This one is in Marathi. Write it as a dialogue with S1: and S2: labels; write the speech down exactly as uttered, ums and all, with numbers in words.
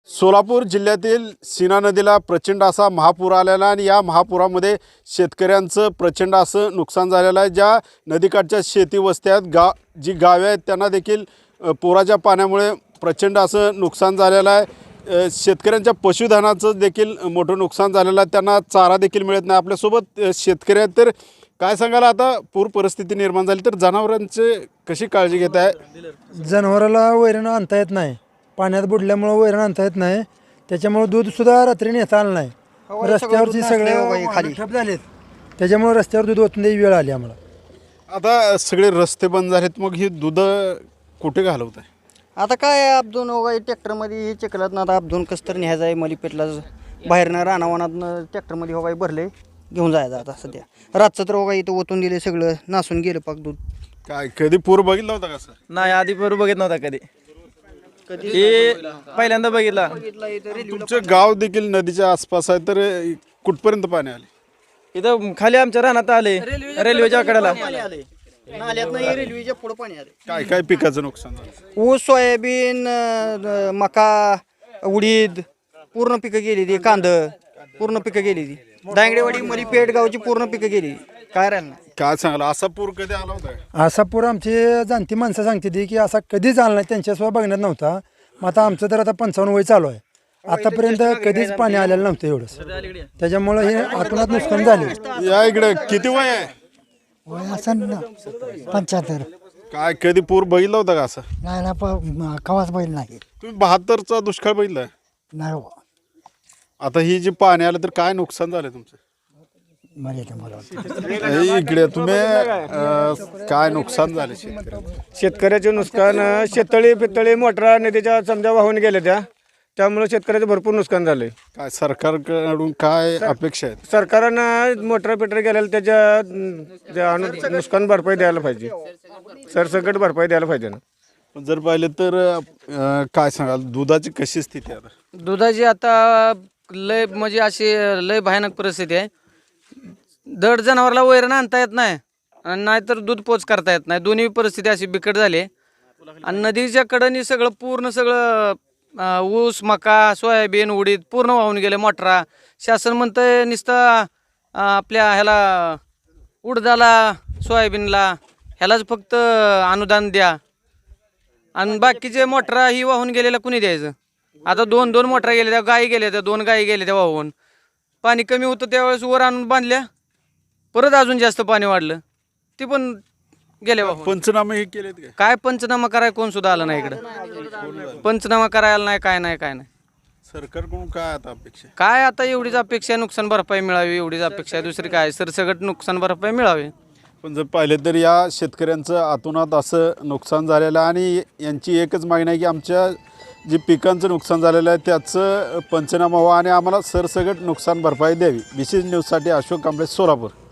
S1: सोलापूर जिल्ह्यातील सीना नदीला प्रचंड असा महापूर आलेला आणि या महापुरामध्ये शेतकऱ्यांचं प्रचंड असं नुकसान झालेलं आहे। ज्या नदीकाठच्या शेती वस्त्यात गा जी गावे आहेत त्यांना देखील पुराच्या पाण्यामुळे प्रचंड असं नुकसान झालेलं आहे। शेतकऱ्यांच्या पशुधनाचं देखील मोठं नुकसान झालेलं आहे, त्यांना चारा देखील मिळत नाही। आपल्यासोबत शेतकरी आहेत, तर काय सांगाल आता पूर परिस्थिती निर्माण झाली तर जनावरांची कशी काळजी घेत आहे?
S2: जनावराला वैरण आणता येत नाही, पाण्यात बुडल्यामुळे वैरण आणता येत नाही, त्याच्यामुळे दूध सुद्धा रात्री नेता आलं नाही। रस्त्यावरची सगळे खाली ठप झालेत, त्याच्यामुळे रस्त्यावर दूध ओतून द्यायची वेळ आली आम्हाला।
S1: आता सगळे रस्ते बंद झालेत, मग ही दूध कुठे घालवत आहे?
S3: आता काय अपदून वगैरे ट्रॅक्टरमध्ये हे चिखलात ना, आता अपदून कसं तर न्यायचं आहे मलिपेटला, बाहेरनं रानावानातनं ट्रॅक्टरमध्ये वगैरे भरले घेऊन जायचं। आता सध्या रातचं तर वगैरे इथं ओतून दिले, सगळं नासून गेलं पाक दूध।
S1: काय कधी पूर बघितला होता का सर?
S4: नाही, आधी पूर बघित नव्हता कधी, हे पहिल्यांदा बघितला।
S1: तुमचं गाव देखील नदीच्या आसपास आहे, तर कुठपर्यंत पाणी आले?
S4: इथं खाली आमच्या रानात आले, रेल्वेच्या कडेला
S3: नाल्यातनं रेल्वेच्या पुढं पाणी आले।
S1: काय काय पिकाचं नुकसान झालं?
S3: ऊस, सोयाबीन, अं, मका, उडीद पूर्ण पिकं गेली ती, कांद पूर्ण पिकं गेली ती, दांगडेवाडी मलिपेट गावची पूर्ण पिकं गेली, काय राहिलं नाही।
S1: काय सांगाल, असा पूर कधी आला होता?
S2: असा पूर आमची जाणती माणसं सांगते ती की असा कधीच आला नाही, त्यांच्यासोबत बघण्यात नव्हता। मग आता आमचं तर आता पंचावन्न वय चालू आहे, आतापर्यंत कधीच पाणी आलेलं नव्हतं एवढंच, त्याच्यामुळे हे आतूनात नुकसान झाले।
S1: या इकडे किती वय आहे?
S5: वय असं ना पंच्याहत्तर.
S1: काय कधी पूर बघितला होता का असं?
S5: नाही ना, प- कवाच बैल नाही
S1: तुम्ही बहात्तरचा दुष्काळ बघितलाय?
S5: नाही हो.
S1: आता ही जी पाणी आलं तर काय नुकसान झालं तुमचं?
S5: मला येते मला
S1: हे इकडे तुम्ही अं, काय नुकसान झाले शेतकऱ्यांचं?
S6: शेतकऱ्याचे नुकसान, शेततळी पितळी मोटरा नदीच्या समजा वाहून गेल्या त्या, त्यामुळे शेतकऱ्याचं भरपूर नुकसान झालंय।
S1: काय सरकारकडून काय अपेक्षा आहेत?
S6: सरकारनं मोटरा पिटरा गेलेल्या त्याच्या अं, त्या अनु नुकसान भरपाई द्यायला पाहिजे, सरसकट भरपाई द्यायला पाहिजे ना।
S1: पण जर पाहिलं तर अं, काय सांगाल, दुधाची कशी स्थिती आहे आता?
S7: दुधाची आता लय म्हणजे अशी लय भयानक परिस्थिती आहे। दड जनावरला वैरण आणता येत नाही आणि नाहीतर दूध पोच करता येत नाही, दोन्ही परिस्थिती अशी बिकट झाली आहे। आणि नदीच्या कडेने सगळं पूर्ण सगळं अं, ऊस, मका, सोयाबीन, उडीद पूर्ण वाहून गेले। मोटरा शासन म्हणतंय नुसतं अं, आपल्या ह्याला उडदाला, सोयाबीनला ह्यालाच फक्त अनुदान द्या, आणि बाकीचे मोटरा ही वाहून गेलेला कुणी द्यायचं? आता दोन दोन मोटरा गेल्या त्या, गायी गेल्या त्या, दोन गायी गेल्या त्या वाहून। पाणी कमी होतं त्यावेळेस वर आणून बांधल्या, परत अजून जास्त पाणी वाढलं, ते पण गेले वाहून।
S1: पंचनामे हे केलेत काय?
S7: काय पंचनामा करायला कोण सुद्धा आलं नाही इकडं, पंचनामा करायला नाही, काय नाही काय नाही।
S1: सरकारकडून काय आता अपेक्षा आहे?
S7: काय आता एवढीच अपेक्षा आहे, नुकसान भरपाई मिळावी एवढीच अपेक्षा आहे, दुसरी काय? सरसकट नुकसान भरपाई मिळावी।
S1: पण जर पाहिलं तर या शेतकऱ्यांचं आतोनात असं नुकसान झालेलं आहे आणि यांची एकच मागणी आहे की आमच्या जे पिकांचं नुकसान झालेलं आहे त्याचं पंचनामा व्हावा आणि आम्हाला सरसकट नुकसान भरपाई द्यावी। विशेष न्यूजसाठी अशोक कांबळे, सोलापूर।